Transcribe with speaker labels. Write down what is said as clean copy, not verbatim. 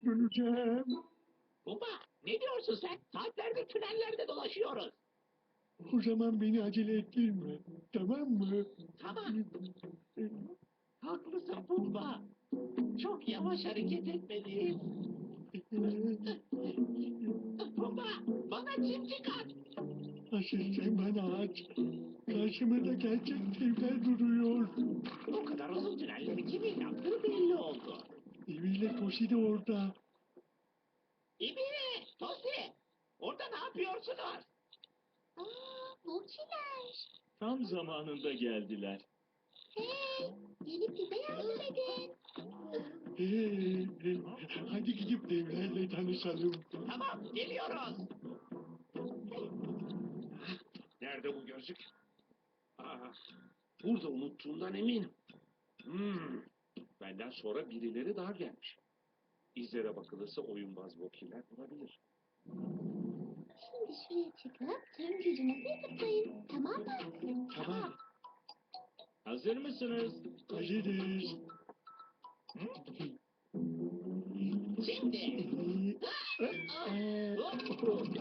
Speaker 1: Döneceğim.
Speaker 2: Baba, ne diyorsun sen? Saatlerdir tünellerde dolaşıyoruz.
Speaker 1: O zaman beni acele ettirme. Tamam mı?
Speaker 2: Tamam. Haklısın Pumba. Çok yavaş hareket etmeliyiz. Pumba, bana çimcik at.
Speaker 1: Asıl sen bana aç. Karşımda gerçek devler duruyor.
Speaker 2: O kadar uzun tünelleri kimin yaptığı belli oldu.
Speaker 1: Eviyle Tosi de orada.
Speaker 2: İbine, Tosi, orada ne yapıyorsunuz?
Speaker 3: Burçiler.
Speaker 4: Tam zamanında geldiler.
Speaker 3: Hey, gelip bize yardım edin.
Speaker 1: Hadi gidip devlerle tanışalım.
Speaker 2: Tamam, geliyoruz. Nerede bu gözlük? Burada unuttuğundan eminim. Benden sonra birileri daha gelmiş. İzlere bakılırsa oyunbaz vokiler bulabilir.
Speaker 3: Şimdi şuraya çıkıp tüm gücünüzü tıklayın. Tamam mı?
Speaker 1: Tamam.
Speaker 4: Hazır mısınız?
Speaker 1: Hazırız.
Speaker 2: Şimdi.